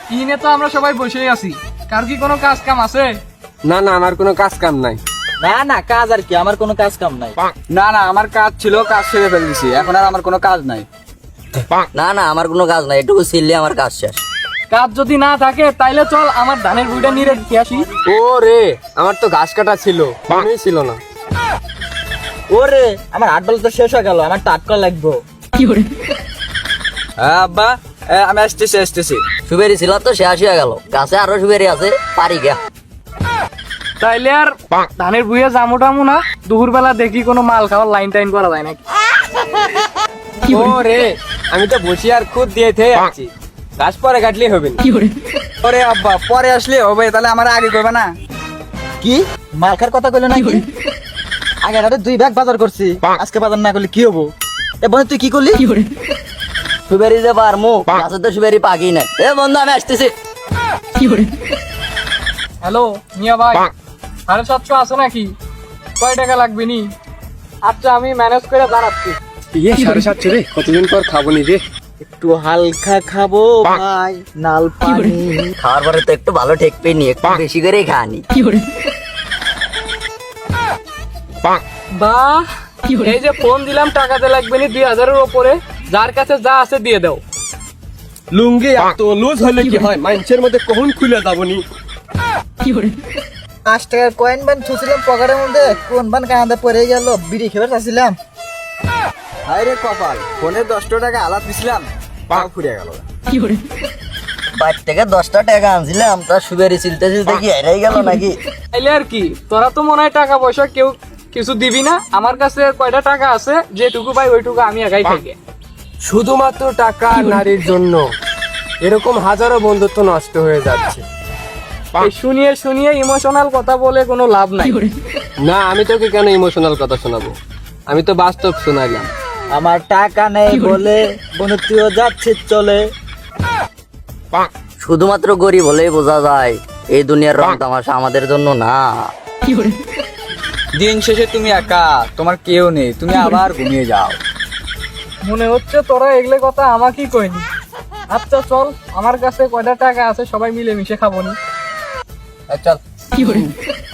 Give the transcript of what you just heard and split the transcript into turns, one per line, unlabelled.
ইনে তো আমরা সবাই বসেই আছি, কার কি কোনো কাজ কাম আছে?
না না, আমার কোনো কাজ কাম নাই।
না না, কাজ আর কি, আমার কোনো কাজ কাম নাই।
না না, আমার কাজ ছিল, কাজ সেরে ফেলেছি, এখন আর আমার কোনো কাজ নাই।
না না, আমার কোনো কাজ নাই, এটুকু ছিললে আমার কাজ শেষ।
কাজ যদি না থাকে তাইলে চল আমার ধানের বুড়িটা নিয়ে রেখে আসি।
ও রে, আমার তো ঘাস কাটা ছিল, মনেই ছিল না।
ওরে, আমার 8 বল তো শেষ হয়ে গেল, আমার তো 8 কল লাগবো।
হ্যাঁ আব্বা, আমি আসতেছি।
সুবেরি ছিল তো শেষ হয়ে গেল, গাছে আরো সুবেরি আছে, পারি গা।
তাইলে আর ধানের বুয়ে জামু টামু না, দুপুর বেলা দেখি কোনো মাল খাওয়ার লাইন টাইন করা যায় নাকি।
ও রে, আমি তো বসি আর খুদ দিয়ে থেকে আছি, ঘাস পরে কাটলেই হবে না। ওরে আব্বা, পরে আসলে হবে, তাহলে আমার আগে করবে না?
কি মাল খার কথা কইলো নাকি? আগে রাতে 2 ব্যাগ বাজার করছি, আজকে বাজার না করলে কি হবো? এ বন্ধু তুই কি করলি?
সুবেরি যে পারমু, গাছে তো সুবেরি পাকি নাই। এ বন্ধু, আমি আসতেছি।
হ্যালো মিয়া ভাই, 750 আছে নাকি? কয় টাকা লাগবে নি? আচ্ছা, আমি ম্যানেজ করে দাঁড়াচ্ছি।
750 রে, কতদিন পর খাবো নি রে।
একটু হালকা খাবো ভাই, নাল পানি।
খাওয়ার পরে তো একটু ভালো ঠেক পেয়ে নি, একটু বেশি করেই খানি।
বাহ, এই যে ফোন দিলাম, টাকাতে লাগবে নি 2000-এর ওপরে, যার কাছে যা আছে দিয়ে দাও।
লুঙ্গি এত লুজ হলে কি হয়, মানুষের মধ্যে কখন খুলে যাবনি।
5 টাকার কয়েন বান ছুছিলাম পকেটের মধ্যে, কোন বান কাঁদে পড়ে গেল, বিড়ি খেয়ে চাচ্ছিলাম।
হায় রে কপাল, ফোনে 10 টাকা আলাপ দিছিলাম, পাও ফুরিয়ে গেল।
বাইর থেকে 10টা টাকা আনছিলাম, তার সুবেরি চিলতে চিলতে কি হেরাই গেল নাকি?
তাইলে আর কি, তোরা তো মনে হয় টাকা পয়সা কেউ কিছু দিবি না। আমার কাছে কয়টা টাকা আছে, যেটুকু পাই ওইটুকু আমি একাই খাইকে।
শুধুমাত্র টাকা আর নারীর জন্য এরকম হাজারো বন্ধুত্ব নষ্ট হয়ে যাচ্ছে।
এই শুনিয়ে শুনিয়ে ইমোশনাল কথা বলে কোনো লাভ নাই।
না, আমি তোকে কেন ইমোশনাল কথা শোনাবো, আমি তো বাস্তব শোনাইলাম।
আমার টাকা নেই বলে বন্ধু তুইও যাচ্ছিস চলে।
শুধুমাত্র গরিব হলেই বোঝা যায় এই দুনিয়ার রং তামাশা আমাদের জন্য না।
দিন শেষে তুমি একা, তোমার কেউ নেই, তুমি আবার ঘুমিয়ে যাও।
মনে হচ্ছে তোরা এগুলো কথা আমাকেই কইনি। আচ্ছা চল, আমার কাছে কয়টা টাকা আছে, সবাই মিলে মিশে খাবো নি।
চল।